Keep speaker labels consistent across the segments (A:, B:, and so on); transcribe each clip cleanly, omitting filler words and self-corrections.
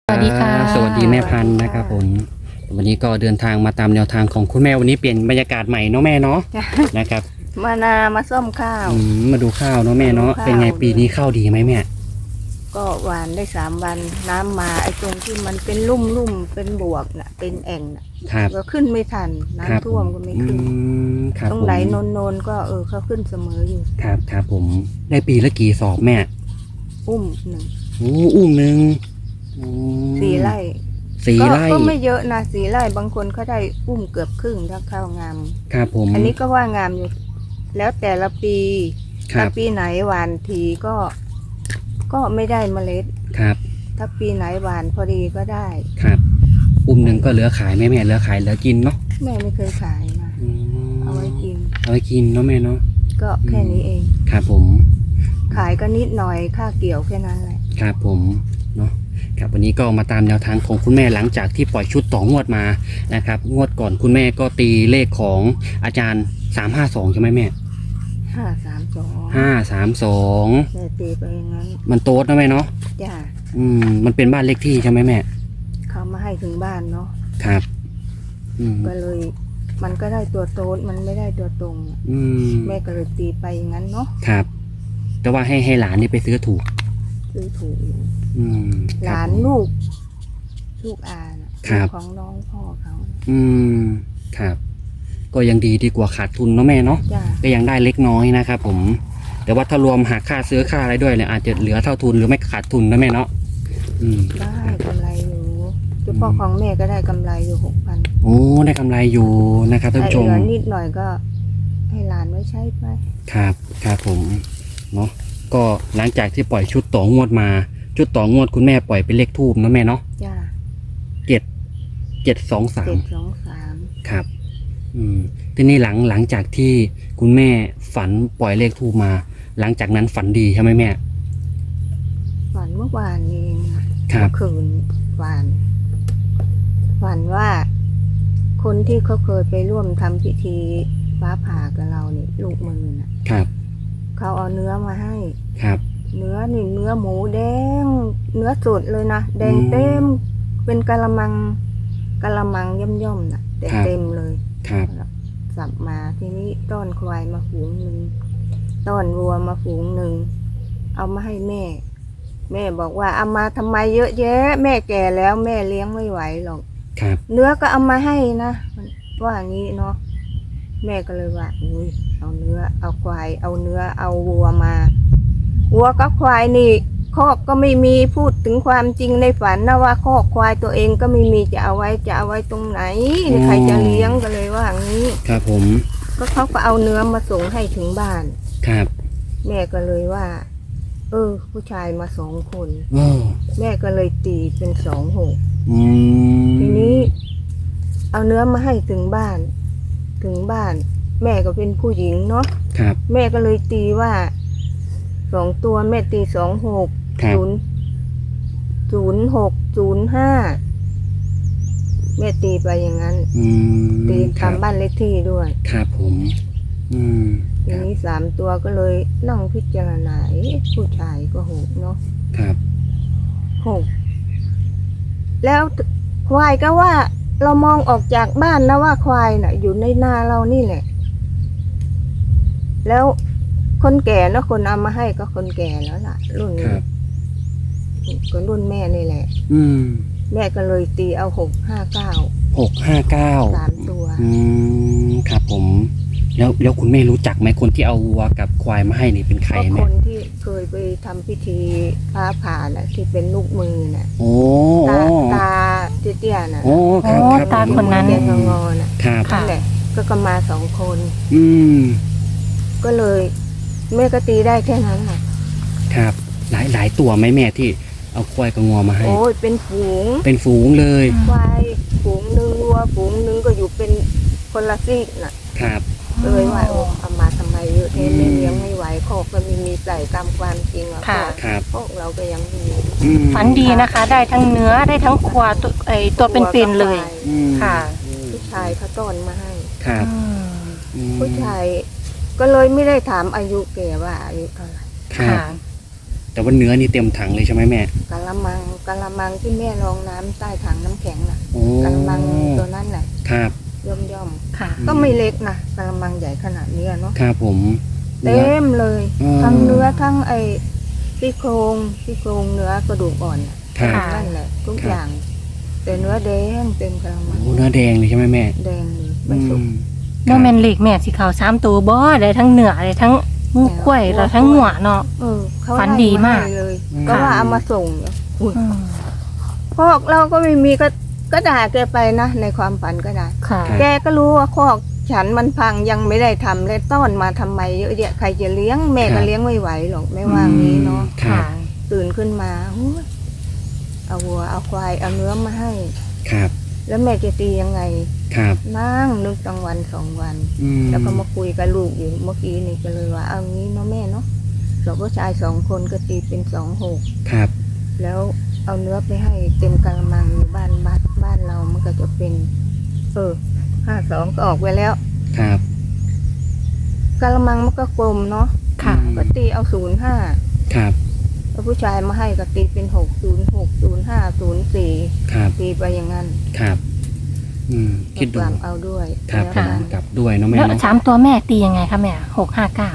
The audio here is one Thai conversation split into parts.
A: สวัสดีค่ะ
B: สวัสดีแม่พันธุ์นะครับผมวันนี้ก็เดินทางมาตามแนวทางของคุณแม่วันนี้เปลี่ยนบรรยากาศใหม่เนาะแม่เนาะ
A: จ้ะ
B: นะครับ
A: มาส้มข้าว
B: มาดูข้าวเนาะแม่เนาะ
A: มาดูข้าว
B: เป็นไงปีนี้ข้าวดีไหมแม่
A: ก็หวานได้3 วันน้ำมาไอ้ตรงที่มันเป็นลุ่มเป็นบวกน่ะเป็นแอ่งน่ะ
B: ครับ
A: ก็ขึ้นไม่ทัน
B: ครับ
A: น้ำท่วมก็ไม่ขึ้น
B: ครับ
A: ตรง
B: ผม
A: ไหนโนนก็เขาขึ้นเสมออยู่
B: ครับครับผมได้ปีละกี่สอบแม่
A: อุ้มหนึ่ง
B: โอ้อุ้มหนึ่งอืม
A: 4 ไร่
B: สี่ไร่
A: ก็ไม่เยอะนะ4 ไร่บางคนเขาได้อุ้มเกือบครึ่งถ้าข้าวงาม
B: ครับผม
A: อันนี้ก็ว่างามอยู่ แล้วแต่ละปี
B: ครั
A: ถ้า
B: บ
A: ปีไหนหวานทีก็ไม่ได้เมล็ด
B: ครับ
A: ถ้าปีไหนหวานพอดีก็ได้
B: ครับอุ้มหนึ่งก็เหลือขายไหมแม่เหลือขายเหลือกินเนาะ
A: แม่ไม่เคยขายนะ
B: อืม
A: เอาไว้กิน
B: เอาไว้กินเนาะแม่เนาะ
A: ก็แค่นี้เอง
B: ครับผม
A: ขายก็นิดหน่อยค่าเกี่ยวแค่นั้นแหละ
B: ครับผมเนาะครับวันนี้ก็มาตามแนวทางของคุณแม่หลังจากที่ปล่อยชุดต่องวดมานะครับงวดก่อนคุณแม่ก็ตีเลขของอาจารย์352ใช่ไหมแม่
A: 532
B: 532
A: แม่ตีไปอย่างนั้น
B: มันโต๊ดนะแม่เนาะ
A: จ้า
B: มันเป็นบ้านเลขที่ใช่ไหมแม่
A: เขามาให้ถึงบ้านเนาะ
B: ครับอืม
A: ก็เลยมันก็ได้ตัวโต๊ดมันไม่ได้ตัวตรง
B: อืม
A: แม่ก็เลยตีไปอย่างนั้นเนาะ
B: ครับ แต่ว่าให้หลานนี่ไปซื้อถูก
A: ซื้อถูกอยู่
B: อืม
A: หลานลูกอาน่ะ
B: ครับ
A: ลูกของน้องพ่อเขาน่ะ
B: อืมครับ ก็ยังดีกว่าขาดทุนเนาะแม่เนาะ
A: จ้า
B: ก็ยังได้เล็กน้อยนะครับผม แต่ว่าถ้ารวมหักค่าซื้อค่าอะไรด้วยเนี่ยอาจจะเหลือเท่าทุนหรือไม่ขาดทุนนะแม่เนาะ
A: ได้กำไรอยู่เฉพาะของแม่ก็ได้กำไรอยู่6,000
B: โอ้ได้กำไรอยู่นะครับท่าน
A: ไอ้
B: ผู้ชม
A: เหลือนิดหน่อยก็ให้หลานไว้ใช้ไป
B: ครับครับผมเนาะก็หลังจากที่ปล่อยชุดต่องวดมาชุดต่องวดคุณแม่ปล่อยเป็นเลขทูบนะแม่เนาะ
A: จ้า
B: 723
A: 723
B: ครับทีนี้หลังจากที่คุณแม่ฝันปล่อยเลขทูบมา หลังจากนั้นฝันดีใช่ไหมแม่
A: ฝันเมื่อวานเองเมื่อคืนฝันว่า คนที่เขาเคยไปร่วมทำพิธีฟ้าผ่ากับเราเนี่ยลูกมือน่ะ
B: ครับ
A: เขาเอาเนื้อมาให้
B: ครับ
A: เนื้อนี่เนื้อหมูแดงเนื้อสดเลยนะแดงเต็มเป็นกะละมังย่อมๆน่ะแต่เต็มเลย
B: ครับ
A: สับมาทีนี้ต้อนควายมาฝูงหนึ่งต้อนวัวมาฝูงหนึ่งเอามาให้แม่ แม่บอกว่าเอามาทำไมเยอะแยะ แม่แก่แล้วแม่เลี้ยงไม่ไหวหรอก
B: ครับ
A: เนื้อก็เอามาให้นะว่าอย่างนี้เนาะแม่ก็เลยว่าอุ้ยเอาเนื้อเอาควายเอาเนื้อเอาวัวมาวัวกับควายนี่คอกก็ไม่มีพูดถึงความจริงในฝันนะว่าคอกควายตัวเองก็ไม่มีจะเอาไว้ตรงไหนใครจะเลี้ยงก็เลยว่าอย่างนี้
B: ครับผม
A: ก็เขาก็เอาเนื้อมาส่งให้ถึงบ้าน
B: ครับ
A: แม่ก็เลยว่า ผู้ชายมา2 คน
B: โอ้
A: แม่ก็เลยตีเป็น26
B: อืม
A: ทีนี้ เอาเนื้อมาให้ถึงบ้าน แม่ก็เป็นผู้หญิงเนาะ
B: ครับ
A: แม่ก็เลยตีว่า2 ตัวแม่ตี26
B: ครับ
A: 0605แม่ตีไปอย่างนั้น ตี
B: ครับ
A: ทำบ้านเลขที่ด้วย
B: ครับผม
A: ที
B: ครับ
A: นี้3 ตัวก็เลยนั่งพิจารณาผู้ชายก็6เนาะ
B: ครับ
A: 6แล้วควายก็ว่า เรามองออกจากบ้านนะว่าควายน่ะ อยู่ในนาเรานี่แหละ แล้วคนแก่เนาะคนเอามาให้ก็คนแก่แล้วล่ะ รุ่น
B: ครับ
A: ก็รุ่นแม่นี่แหละ แม่ก็เลยตีเอา659
B: 659
A: 3 ตัว
B: ครับผม แล้วคุณแม่รู้จักไหมคนที่เอาวัวกับควายมาให้นี่เป็นใคร
A: ก็
B: แม่
A: คนที่เคยไปทำพิธีฟ้าผ่าน่ะ ที่เป็นลูกมือน่ะ
B: โอ้
A: ตาเตี้ยๆน่ะ
B: โอ้ครับครับ
C: ตาคนนั้น
A: เตี้ยงอๆน่ะ
B: ครับ
C: ค่ะ
A: นั่นแหละก็มา2 คน
B: อืม
A: ก็เลยแม่ก็ตีได้แค่นั้นแหละ
B: ครับ หลายตัวไหมแม่ที่เอาควายกับงัวมาให้
A: โอ้ยเป็นฝูง
B: เป็นฝูงเลย
A: ควายฝูงหนึ่งวัวฝูงหนึ่งก็อยู่เป็นคนละซีกน่ะ
B: ครับ
A: เลยว่าโอ้เอามาทำไมเยอะแท้แม่เลี้ยงไม่ไหวคอกก็ไม่มีใส่ตามความจริงอ่ะ
C: ค่ะ
B: ครับ
A: พวกเราก็ยังมี
C: ฝันดีนะคะ ได้ทั้งเนื้อได้ทั้งควาตัวเป็นๆเลย ค่ะ
A: ผู้ชายเขาต้อนมาให้
B: ครับ
A: ผู้ชายก็เลยไม่ได้ถามอายุแกว่าอายุเท่าไหร่
B: ครับ
C: ค่ะ
B: แแต่ว่าเนื้อนี่เต็มถังเลยใช่ไหมแม่
A: กะละมังที่แม่รองน้ำใต้ถังน้ำแข็งน่ะ
B: โอ้
A: กะละมังตัวนั้นแหละ
B: ครับ
A: ย่อม
C: ค่ะ
A: ก็ไม่เล็กนะกะละมังใหญ่ขนาดนี้อะเนาะ
B: ครับผม
A: เต็มเลย
B: อืม
A: ทั้งเนื้อทั้งไอ้ซี่โครงเนื้อกระดูกอ่อนน่ะ
B: ครับ
C: ค่ะ
A: นั่นแหละทุก
B: ครับ
A: อย่าง แต่เนื้อแดงเต็มกะละมัง
B: โอ้เนื้อแดงเลยใช่ไหมแม่
A: แดงเลยไม่สุก
C: โมเมนเหล็กแม่สิเขา3ตัวบ่ได้ทั้งเนื้อได้ทั้งงูกล้วยแล้วทั้งหัวเนาะ
A: เขา
C: ฝันดีมาก
A: ไล่ให้เลย
B: อืม
A: ก็ว่าเอามาส่งเนี่ยอุ๊ย
C: อืม
A: พอกเราก็ไม่มีก็ด่าแกไปนะในความฝันก็ได้
C: ค่ะ
A: แกก็รู้ว่าคอกฉันมันพังยังไม่ได้ทำเลยต้อนมาทำไมเยอะแยะใครจะเลี้ยงแม่ก็เลี้ยงไม่ไหวหรอกไม่ว่างนี้เนาะ
B: ครั
C: ค่ะ
B: บ
A: ตื่นขึ้นมาโอ้ยเอาวัวเอาควายเอาเนื้อมาให้
B: ครับ
A: แล้วแม่จะตียังไง
B: ครับ
A: นั่งนึกตั้งวัน2 วัน
B: อืม
A: แล้วก็มาคุยกับลูกอยู่เมื่อกี้นี่ก็เลยว่าเอางี้เนาะแม่เนาะเราผู้ชาย2 คนก็ตีเป็น2 6
B: ครับ
A: แล้วเอาเนื้อไปให้เต็มกะละมังอยู่บ้านเรามันก็จะเป็น52ก็ออกไปแล้ว
B: ครับ
A: กะละมังมันก็กลมเนาะ
C: ค่ะ
A: ก็ตีเอา05
B: ครับ
A: แล้วผู้ชายมาให้ก็ตีเป็น6060504
B: ครับ
A: ตีไปอย่างนั้น
B: ครับคิดดู
A: กลับเอาด้วย
B: ครับ
A: แล้ว
B: ผม
A: กัน
B: กลับด้วยเนาะแม่
C: แล้ว
B: เนาะ
C: 3ตัวแม่ตียังไงคะแม่659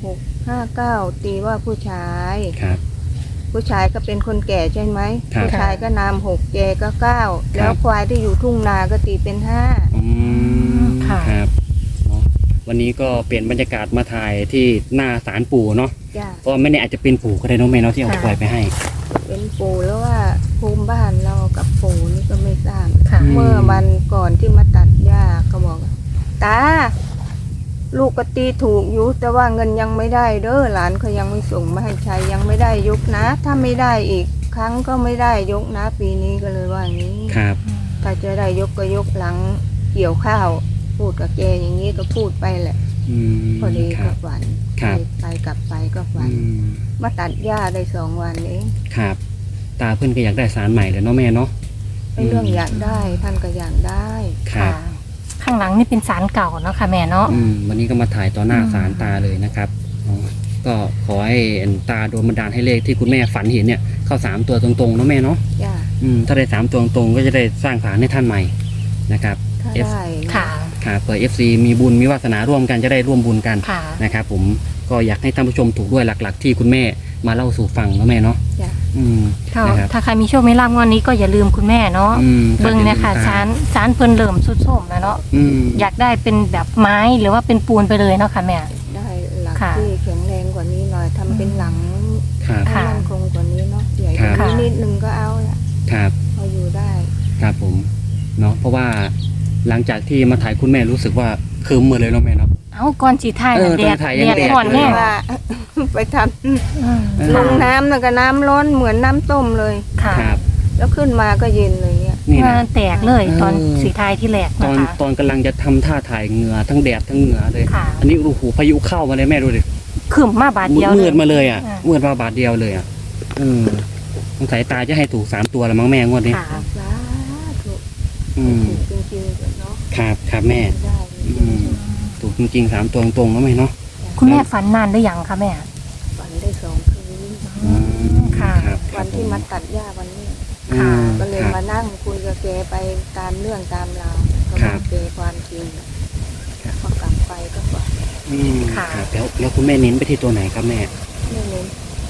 A: 659ตีว่าผู้ชาย
B: ครับ
A: ผู้ชายก็เป็นคนแก่ใช่ไหม
B: ครับ
A: ผู้ชายก็นาม6แกก็9แล้วควายที่อยู่ทุ่งนาก็ตีเป็น5
B: อืม
C: ค่ะ
B: ครับเนาะวันนี้ก็เปลี่ยนบรรยากาศมาถ่ายที่หน้าศาลปู่เนาะ
A: จ้ะ
B: เพราะไม่แน่อาจจะเป็นปู่ก็ได้เนาะแม่เนาะที่เอา
C: ค่ะ
B: ควายไปให้
A: เป็นปู่แล้วว่าภูมิบ้านเรากับปู่นี่ก็ไม่ทราบ
C: ค่ะ
A: เมื่อวันก่อนที่มาตัดหญ้าก็บอกว่าตาลูกก็ตีถูกอยู่แต่ว่าเงินยังไม่ได้เด้อหลานเขายังไม่ส่งมาให้ใช้ยังไม่ได้ยกนะ ถ้าไม่ได้อีกครั้งก็ไม่ได้ยกนะปีนี้ก็เลยว่าอย่างนี้
B: ครับ
A: ถ้าจะได้ยกก็ยกหลังเกี่ยวข้าว พูดกับแกอย่างนี้ก็พูดไปแหละ
B: อืม
A: พอดี
B: ครั
A: ก็
B: บ
A: ฝัน
B: ครับ
A: ไปกลับไปก็ฝั
B: อื
A: น
B: ม
A: มาตัดหญ้าได้2 วันเอง
B: ครับ ตาเพื่อนก็อยากได้ศาลใหม่เลยเนาะแม่เนาะ
A: ไอ้เรื่องอยากได้ท่านก็อยากได้
B: ครับ
C: ข้างหลังนี่เป็นศาลเก่าเนาะค่ะแม่เนาะ
B: วันนี้ก็มาถ่ายต่อหน้า
C: อืม
B: ศาลตาเลยนะครับอ๋อก็ขอให้ตาโดนบันดาลให้เลขที่คุณแม่ฝันเห็นเนี่ยเข้า3ตัวตรงๆเนาะแม่เนาะ
A: จ้า
B: ถ้าได้3ตัวตรงๆก็จะได้สร้างศาลให้ท่านใหม่นะครับ
A: ถ้า
B: F
A: ได้นะ
C: ค่ะ
B: ค่ะเผื่อ FC มีบุญมีวาสนาร่วมกันจะได้ร่วมบุญกัน
C: ค่ะ
B: นะครับผมก็อยากให้ท่านผู้ชมถูกด้วยหลักๆ ที่คุณแม่มาเล่าสู่ฟังเนาะแม่เนาะ
A: จ้า
B: อืม
C: ถ้า
B: นะครับ
C: ถ้าใครมีโชคมีลาภงวดนี้ก็อย่าลืมคุณแม่เนาะ
B: ครับ
C: เบิ่งเนี่ยค่ะ
B: อย่าลืมต
C: ศาลเพิ่นเริ่มสุดโทรมแล้วเนาะ
B: อืม
C: อยากได้เป็นแบบไม้หรือว่าเป็นปูนไปเลยเนาะค่ะแม่
A: ได้หลัก
C: ค่ะ
A: ที่แข็งแรงกว่านี้หน่อยทำเป็นหลัง
B: ครับ
A: ให้
C: ค่ะ
A: มั่นคงกว่านี้เนาะใหญ่กว่า
C: ค่ะ
A: นี้นิดนึงก็เอาละ
B: ครับ
A: พออยู่ได้
B: ครับผมเนาะเพราะว่าหลังจากที่มาถ่ายคุณแม่รู้สึกว่าคืมหมดเลยเนาะแม่เนาะ
C: เอาก่อนสีไทายน่ะ
B: เออ
C: แด
B: ตอ
C: ด
B: นถ่ายยัง
C: แดด
B: แดด
C: ห่อน
B: เลย
C: แน่
A: ว่า ไปท
C: อืม
B: เออ
A: ำลงน้ำแล้วก็น้ำร้อนเหมือนน้ำต้มเลย
C: ค่ะ
B: ครับ
A: แล้วขึ้นมาก็เย็นเลยเนี่ย
B: นี่
C: งา
B: นะ
C: นแตกเลยตอน
B: เออ
C: สีไทายที่แหลก
B: ต
C: นะ
B: อน
C: คะ
B: ตอนกำลังจะทำท่าถ่ายเหงื่อทั้งแดดทั้งเหงื่อเลย
C: ค่ะ
B: อันนี้โอ้โหพายุเข้ามาเลยแม่ดูดิ
C: ขึ้นมาบาทเดียว
B: มืดมาเลยอ่ะ
C: อ่า
B: มืดมาบาทเดียวเลยอ่ะสงสัยตาจะให้ถูก3ตัวแล้วมั้งแม่งวดนี้
C: ค่ะ
A: สาธุ
B: อืม
A: จริงๆเลยเนาะ
B: ครับครับแม่
A: ได้เลย
B: อืม ถูกจริงๆ3ตัวตรงๆแล้วแม่เนาะ
C: คุณแม่ฝันนานหรือยังคะแม่
A: ฝันได้2 คืน
C: ค่ะ
B: ครับ
A: วันที่มาตัดหญ้าวันนี้
B: อืม
A: ก็เลย
B: ครับ
A: มานั่งคุยกับแกไปตามเรื่องตามราวก็
B: ครับ
A: อบ กแกความจริง
B: ครับ
A: พอกลับไปก็ฝัน
C: ค่ะ
B: ครับแล้วคุณแม่เน้นไปที่ตัวไหนครับแม่
A: ไม่เน้น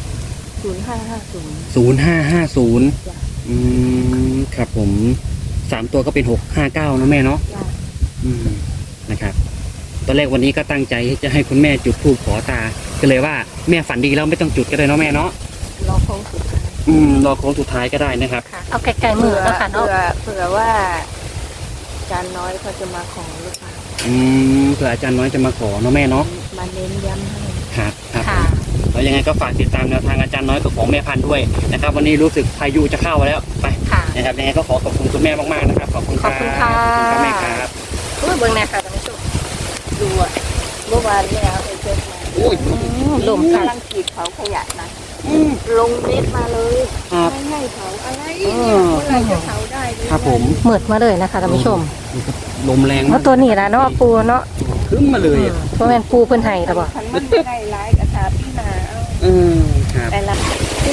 A: 0550
B: 0550
A: จ้ะ
B: ครับผม3ตัวก็เป็น659นะแม่เนาะ
A: จ้ะ
B: นะครับตอนแรกวันนี้ก็ตั้งใจจะให้คุณแม่จุดธูปขอตาก็เลยว่าแม่ฝันดีแล้วไม่ต้องจุดก็ได้เนาะแม่เนาะ
A: รอโค้งสุดท้าย
B: รอโค้งสุดท้ายก็ได้นะครับ
C: ค่ะ เอาไกลๆมือแล้วค่ะเนาะ
A: เผื่อว่าจานน้อยเขาจะมาขอหรือเปล่า
B: เผื่ออาจารย์น้อยจะมาขอเนาะแม่เนาะ
A: มาเน้นย้ำให้
B: ครับครับ
C: ค่ะ
B: แล้วยังไงก็ฝากติดตามแนวทางอาจารย์น้อยกับของแม่พันธุ์ด้วยนะครับวันนี้รู้สึกพายุจะเข้าแล้วไป
C: ค่ะ
B: นะครับยังไงก็ขอบคุณคุณแม่มากๆนะครับขอบคุณครับ
C: ขอบคุณค่ะ
B: ขอบคุณครับแม่ครับ
C: เบิ่งแน่ค่ะท่านผู้ชม
A: ดูอ่ะเมื่อวานแม่เอาไปเช็คมา
B: โอ้ย
C: ลมค่ะ
A: กำลังขีดเผาขยะนะลงเม็ดมาเลย
B: ครับ
A: ไม่ให้เผาอะไร
B: เอ
A: เนี่ย
B: อ
A: เมื่อไหรจะเผาได้ดี
B: ครับผม
C: เหมือดมาเลยนะคะท่านผู้ชม
B: ลมแรง
C: เพราะตัวนี้ละเนาะปูเนาะ
B: ขึ้นมาเลยอ่ะ
C: เพราะแม่นปูเพิ่นให้ตะบ่
A: คันมันไม่ได้ร้ายกระถาพี่นาเอา
B: ครับ
A: แต่ละที่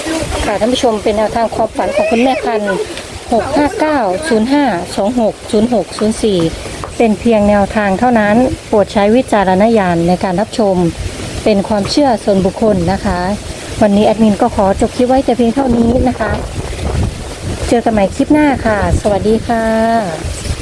C: ค่ะท่านผู้ชมเป็นแนวทางความฝันของคุณแม่พันธุ์65905260604เป็นเพียงแนวทางเท่านั้นโปรดใช้วิจารณญาณในการรับชมเป็นความเชื่อส่วนบุคคลนะคะ วันนี้แอดมินก็ขอจบคลิปไว้แต่เพียงเท่านี้นะคะ เจอกันใหม่คลิปหน้าค่ะ สวัสดีค่ะ